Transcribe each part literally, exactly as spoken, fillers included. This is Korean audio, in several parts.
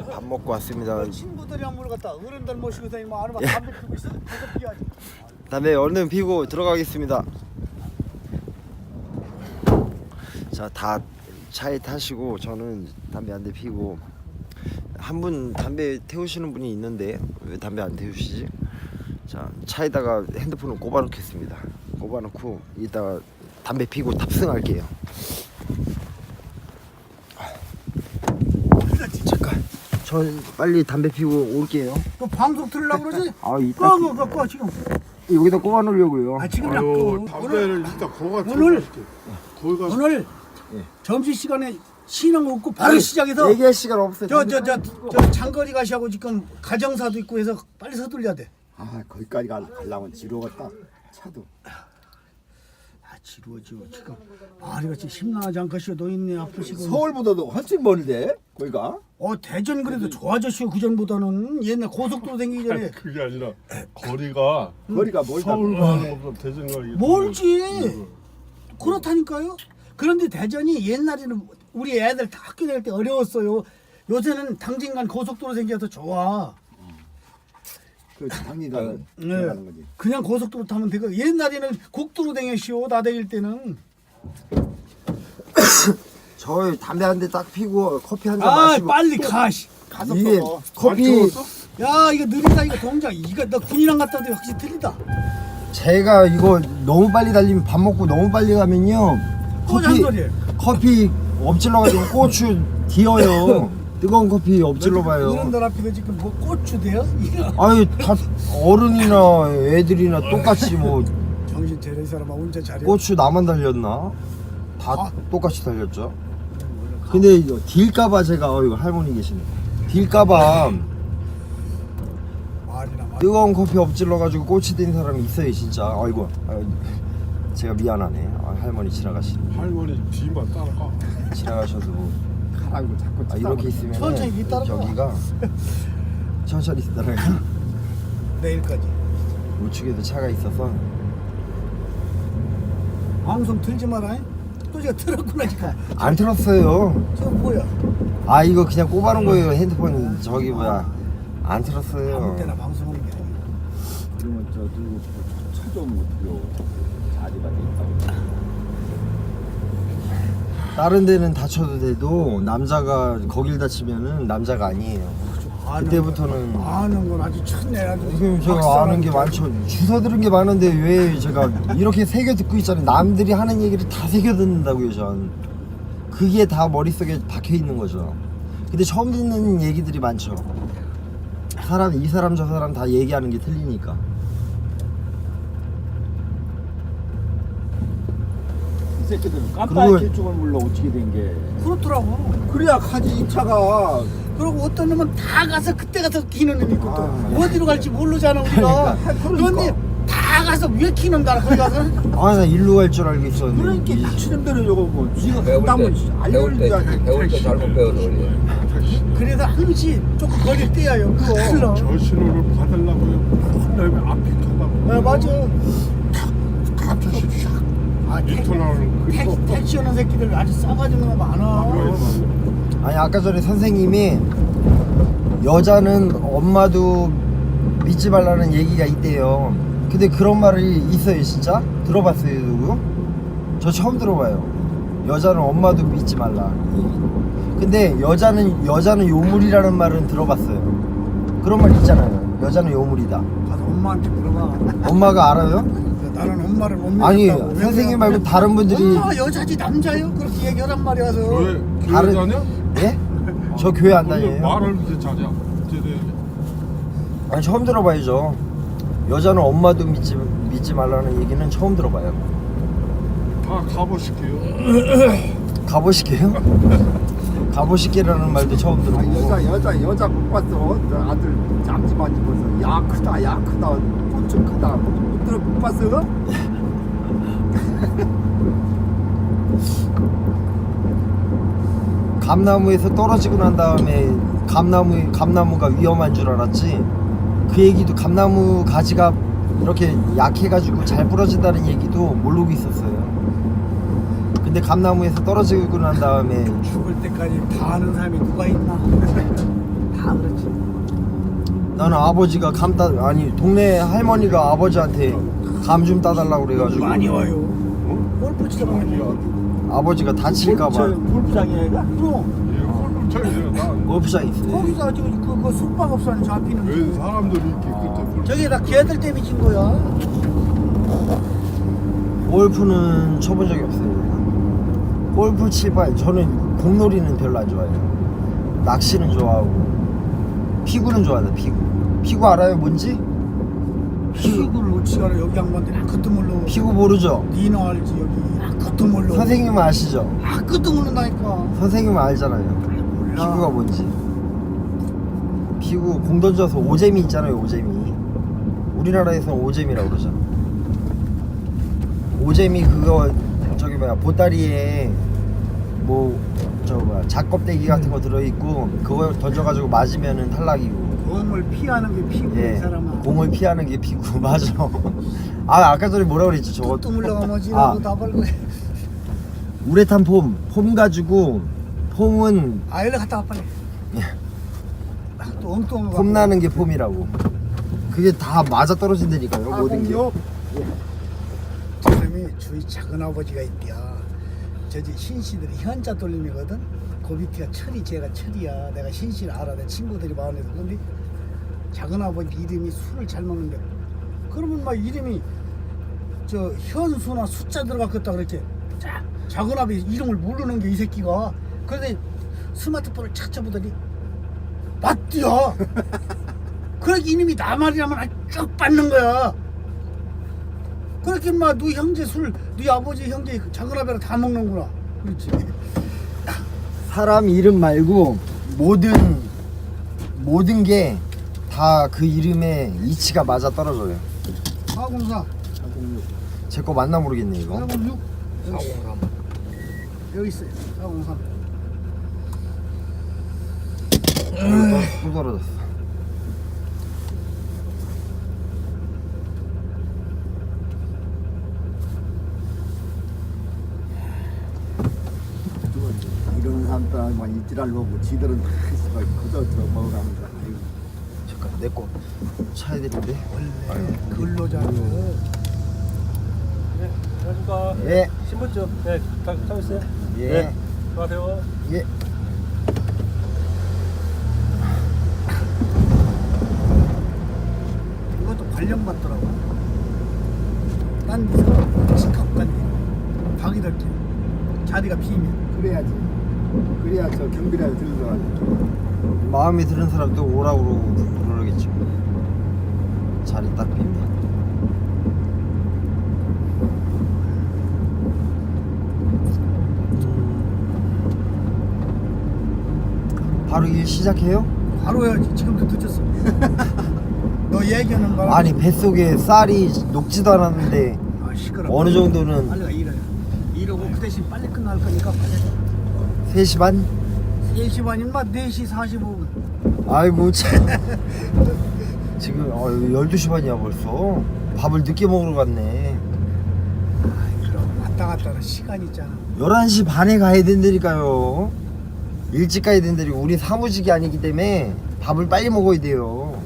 밥 먹고 왔습니다. 친구들이랑 물 갔다 어른들 모시고 다니면 아는 담배 피고 있어. 담배 피워야지. 담배 얼른 피고 들어가겠습니다. 자, 다 차에 타시고 저는 담배 한 대 피고, 한 분 담배 태우시는 분이 있는데 왜 담배 안 태우시지? 자, 차에다가 핸드폰을 꼽아 놓겠습니다. 꼽아 놓고 이따가 담배 피고 탑승할게요. 잠깐, 저 빨리 담배 피고 올게요. 너 방송 들으려고 그러지? 아, 이따 꺼, 꺼, 꺼, 지금. 여기다 꼽아 놓으려고요. 아, 지금 나 아유, 꺼. 담배를 일단 거가 오늘- 거기 가서 오늘 예. 점심 시간에 신앙 없고 바로 시작해서 얘기할 시간 없어요. 저 저 저 저 장거리 가시하고 지금 가정사도 있고 해서 빨리 서둘려야 돼. 아 거기까지 가, 가려면 지루하겠다 차도. 아 지루해 지루해 지금 말이 같이 심란하지 않겠어요. 노인네 아프시고. 서울보다도 훨씬 멀대 거기가. 어 대전 그래도 좋아졌어요. 그 전보다는 옛날 고속도로 생기기 전에 그게 아니라 거리가 거리가 멀다. 서울 가는 것보다 대전 가기 멀지. 그렇다니까요. 그런데 대전이 옛날에는 우리 애들 다 학교 다닐 때 어려웠어요. 요새는 당진간 고속도로 생겨서 좋아. 그 당리가 네. 들어가는 거지. 그냥 고속도로 타면 되고 옛날에는 국도로 다녔시오. 나 다닐 때는. 저 담배 한 대 딱 피고 커피 한 잔 아 마시고 빨리 가. 씨. 가서 이게 또 커피 야 이거 느리다 이거 동작. 이거 너 군이랑 갔다 오는데 확실히 틀리다. 제가 이거 너무 빨리 달리면 밥 먹고 너무 빨리 가면요 또 커피 잔소리. 커피 엎질러 가지고 고추 뒤어요. 뜨거운 커피 엎질러 봐요. 어른들 앞에서 지금 뭐 고추 돼요? 아유, 다 어른이나 애들이나 똑같이 뭐 정신 차려 이 사람아 운전 잘해. 고추 나만 달렸나? 다 아. 똑같이 달렸죠. 근데 이거 딜까봐 제가 어 이거 할머니 계시네. 딜까봐 말이나 말. 뜨거운 커피 엎질러 가지고 꼬치 된 사람이 있어요 진짜. 아이고, 아이고 제가 미안하네. 아, 할머니 지나가시네. 할머니 뒤만 따라가. 지나가셔서 뭐 가라고 자꾸 아, 이렇게 있으면 천천히 뒤따라가. 여기가 천천히 따라가. 내일까지. 우측에도 차가 있어서 방송 틀지 마라. 또 제가 틀었구나 지금. 안 틀었어요. 저 뭐야? 아 이거 그냥 꼽아놓은 거예요. 핸드폰 저기 뭐야 안 아무 틀었어요. 때나 방송하는 게 아니야. 그러면 저 들고 차좀 어떻게 자리가 돼 있다고. 다른 데는 다쳐도 돼도 남자가 거길 다치면은 남자가 아니에요. 아는 그때부터는 건, 아는 건 아주 천내 아주. 지금 제가 박사라는 아는 게 많죠. 주워 들은 게 많은데 왜 제가 이렇게 새겨 듣고 있잖아요. 남들이 하는 얘기를 다 새겨 듣는다고요, 전. 그게 다 머릿속에 박혀 있는 거죠. 근데 처음 듣는 얘기들이 많죠. 사람 이 사람 저 사람 다 얘기하는 게 틀리니까. 이 새끼들은 그리고- 깜빡이 길쭉을 몰라 어떻게 된 게. 그렇더라고. 그래야 가지 이 차가. 그리고 어떤 놈은 다 가서 그때 가서 키는 놈이 있고 또 아, 어디로 갈지 모르잖아 우리가. 그러니까. 그런데 다 가서 왜 키는 거야 거기 가서? 아, 나 일로 갈 줄 알고 있었는데. 그러니까 이- 다치는 대로 저거 뭐 지가 배울 한다면 때, 배울 때, 알려줘야지. 배울 때 잘못 배워서 그래. 그래서 항시 조금 거리 떼어요 그거. 흘러. 저 신호를 받으려고요. 혼내면 앞이 켜다고. 네, 맞아. 갑자기 아, 택, 인터나는 택, 택시 오는 새끼들 아주 싸가지는 거 많아. 아니 아까 전에 선생님이 여자는 엄마도 믿지 말라는 얘기가 있대요. 근데 그런 말이 있어요 진짜? 들어봤어요 누구? 저 처음 들어봐요. 여자는 엄마도 믿지 말라. 근데 여자는 여자는 요물이라는 말은 들어봤어요. 그런 말 있잖아요. 여자는 요물이다. 가서 엄마한테 물어봐. 엄마가 알아요? 나는 엄마를 못 믿는다고. 아니 왜 선생님 그래? 말고 다른 분들이 엄마 여자지 남자요? 그렇게 얘기하란 말이야. 서 교회 다른- 교회 다녀? 예? 저 교회 안 근데 다녀요. 말을 이제 잘해. 이제 아니 처음 들어봐야죠. 여자는 엄마도 믿지 믿지 말라는 얘기는 처음 들어봐요. 다 가보실게요. 가보시게요? 가보시게라는 말도 처음 아, 들어보고. 여자 여자 여자 못 봤어. 저 아들 앞집안 집에서 야 크다 야 크다 꽃좀 크다 못 들어 못 봤어? 감나무에서 떨어지고 난 다음에 감나무 감나무가 위험한 줄 알았지. 그 얘기도 감나무 가지가 이렇게 약해가지고 잘 부러진다는 얘기도 모르고 있었어요. 근데 감나무에서 떨어지고 난 다음에 죽을 때까지 다 아는 사람이 누가 있나? 다 나는 아버지가 감 따, 아니 동네 할머니가 아버지한테 감 좀 따달라고 그래가지고 많이 와요. 골프 치다 보면 아버지가 다칠까봐 골프장에 가? 그럼 예, 골프장이에요. 난 골프장 있어요. 거기서 아주 그, 그 숙박업소는 잡히는 왜 사람들이 이렇게 그때 골프 저기다 걔들 때문에 진 거야. 골프는 쳐본 적이 없어요. 골프 칠바 저는 공놀이는 별로 안 좋아해요. 낚시는 좋아하고 피구는 좋아하다. 피구 피구 알아요 뭔지? 피구를 어찌가라 여기 양반들 아무것도 몰라. 피구 모르죠? 니는 알지 여기 아무것도 몰라. 선생님은 아시죠? 아무것도 모른다니까. 선생님은 알잖아요. 몰라. 피구가 뭔지. 피구 공 던져서 오재미 있잖아요. 오재미. 우리나라에서는 오재미라고 그러죠. 오재미 그거 저기 뭐야 보따리에 뭐 저 뭐야 작껍데기 같은 거 들어있고 그거 던져가지고 맞으면은 탈락이고. 공을 피하는 게 피구야 이 예. 사람아. 공을 피하는 게 피구 맞아. 아 아까 전에 뭐라 그랬지 저거. 또 물러가면지 아. 라고 다 벌고. 우레탄 폼, 폼 가지고 폼은 아 일로 갔다 와 빨리. 예. 아, 또 엉뚱한 거. 폼 나는 게 폼이라고. 그게 다 맞아 떨어진다니까요. 아, 모든 게. 공룡. 저놈이 주위 작은 아버지가 있대야. 저지 신씨들이 현자 돌림이거든. 그 밑에가 철이 제가 철이야. 내가 신씨를 알아. 내 친구들이 많아서. 근데 작은 아버지 이름이 술을 잘 먹는데. 그러면 막 이름이 저 현수나 숫자 들어갔겠다 그랬지. 자, 작은 아버지 이름을 모르는 게 이 새끼가. 그런데 스마트폰을 찾아보더니 맞디야. 그러니까 이놈이 나 말이라면 아주 쭉 받는 거야. 그렇게 막 너 형제 술, 네 아버지 형제 작은 아버지랑 다 먹는구나. 그렇지. 사람 이름 말고 모든 모든 게 다 그 이름에 이치가 맞아 떨어져요. 사공사, 제 거 맞나 모르겠네 이거. 사공육, 사공삼. 여기 있어요. 사공삼. 또 떨어졌어. 이런 사람들만 입질할 거고 지들은 다 씨발 그저 저 먹으라면서 아이고. 잠깐 내 거 차야 되는데. 원래 근로자들. 네, 안녕하십니까. 예. 신분증. 네, 다, 다 있어요. 예. 네, 안녕하세요. 예. 이것도 관련받더라고. 딴 데서 직업 간대. 방위들게 자리가 비면. 그래야지. 그래야 저 경비라도 들어가지. 마음에 드는 사람도 오라고 그러고 그러겠죠. 자리 딱 빈다. 바로 일 시작해요? 바로 해야지. 지금도 늦었어. 너 얘기하는 바람에. 아니 뱃속에 쌀이 녹지도 않았는데 아, 시끄러. 어느 정도는 빨리 가 일해. 이러고 그 대신 빨리 끝날 거니까 빨리 해. 세 시 반? 세 시 반이면 막 네 시 사십오 분. 아이고 참. 지금 어, 열두 시 반이야 벌써. 밥을 늦게 먹으러 갔네. 그럼 왔다 갔다 하는 시간 있잖아. 열한 시 반에 가야 된다니까요. 일찍 가야 된다니까. 우리 사무직이 아니기 때문에 밥을 빨리 먹어야 돼요.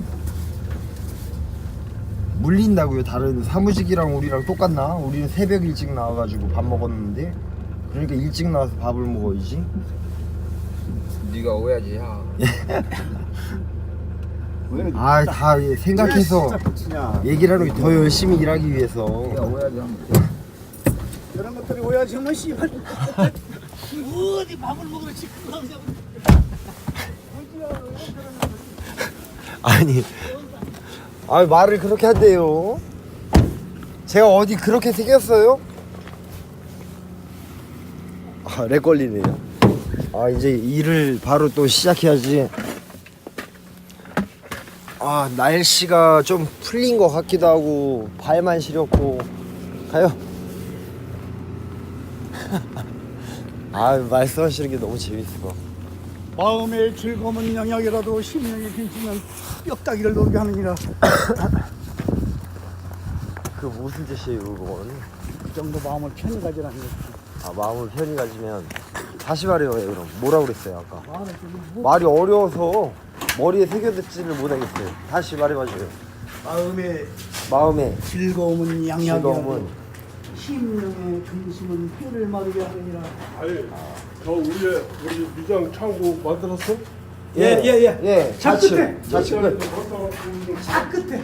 물린다고요. 다른 사무직이랑 우리랑 똑같나? 우리는 새벽 일찍 나와가지고 밥 먹었는데, 그러니까 일찍 나와서 밥을 먹어야지. 네가 오야지 야. 왜 아, 다 생각해서 진짜 붙이냐. 얘기를 하는 게 더 열심히 일하기 위해서. 네가 오야지 하면 이런 것들이 오야지 뭐 씨발. 어디 밥을 먹으러 지금 나오냐고. 아니, 아 말을 그렇게 한대요. 제가 어디 그렇게 생겼어요? 아, 렉 걸리네요. 아, 이제 일을 바로 또 시작해야지. 아, 날씨가 좀 풀린 것 같기도 하고 발만 시렸고. 가요. 아, 말씀하시는 게 너무 재밌어. 마음의 즐거움은 영약이라도 심령이 빈치면 뼈다귀를 놀게 하느니라. 그 무슨 뜻이에요, 그건? 그 정도 마음을 편히 가지라는 거지. 아, 마음을 편히 가지면 다시 말해요 그럼. 뭐라 그랬어요 아까? 말을 좀 뭐, 말이 어려워서 머리에 새겨듣지를 못하겠어요. 다시 말해봐줘요. 마음의 마음에 즐거움은 양약이야. 즐거움은 심령의 근심은 뼈를 마르게 하느니라. 아니 저 우리의 우리 미장 창고 만들었어? 예, 예, 예. 예, 자, 좌측 끝에. 좌측 끝. 차 끝에.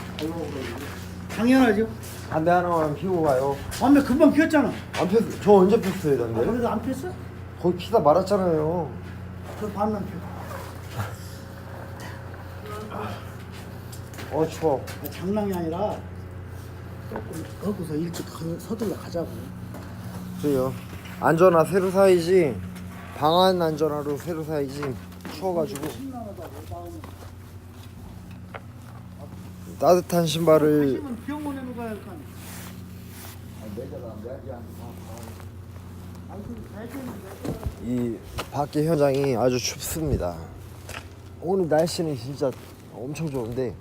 당연하죠. 담배 하나만 피우고 가요. 담배 금방 피웠잖아. 안 폈, 저 언제 폈어요 아, 담배? 그래도 안 피웠어? 거의 피다 말았잖아요. 그 반만 피워. 어 추워. 아, 장난이 아니라 조금 거기서 일찍 가- 서둘러 가자고. 그래요. 안전화 새로 사야지. 방안 안전화로 새로 사야지. 추워가지고 심란하다고 마음이. 따뜻한 신발을 하시면 병원에 누가 할까? 이 밖에 현장이 아주 춥습니다. 오늘 날씨는 진짜 엄청 좋은데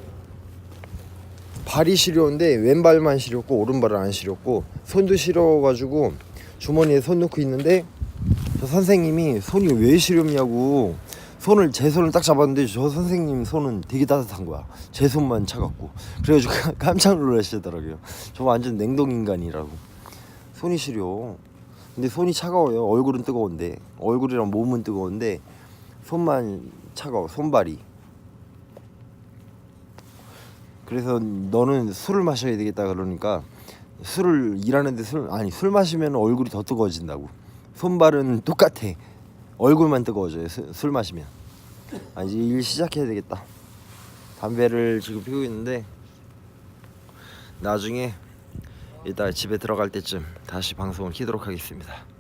발이 시려운데 왼발만 시렸고 오른발은 안 시렸고 손도 시려가지고 주머니에 손 넣고 있는데 저 선생님이 손이 왜 시렵냐고 손을 제 손을 딱 잡았는데 저 선생님 손은 되게 따뜻한 거야. 제 손만 차갑고 그래가지고 깜짝 놀라시더라고요. 저 완전 냉동 인간이라고. 손이 시려. 근데 손이 차가워요. 얼굴은 뜨거운데 얼굴이랑 몸은 뜨거운데 손만 차가워. 손발이. 그래서 너는 술을 마셔야 되겠다 그러니까 술을 일하는데 술 아니 술 마시면 얼굴이 더 뜨거워진다고. 손발은 똑같아. 얼굴만 뜨거워져요. 수, 술 마시면. 아 이제 일 시작해야 되겠다. 담배를 지금 피우고 있는데 나중에 이따 집에 들어갈 때쯤 다시 방송을 키도록 하겠습니다.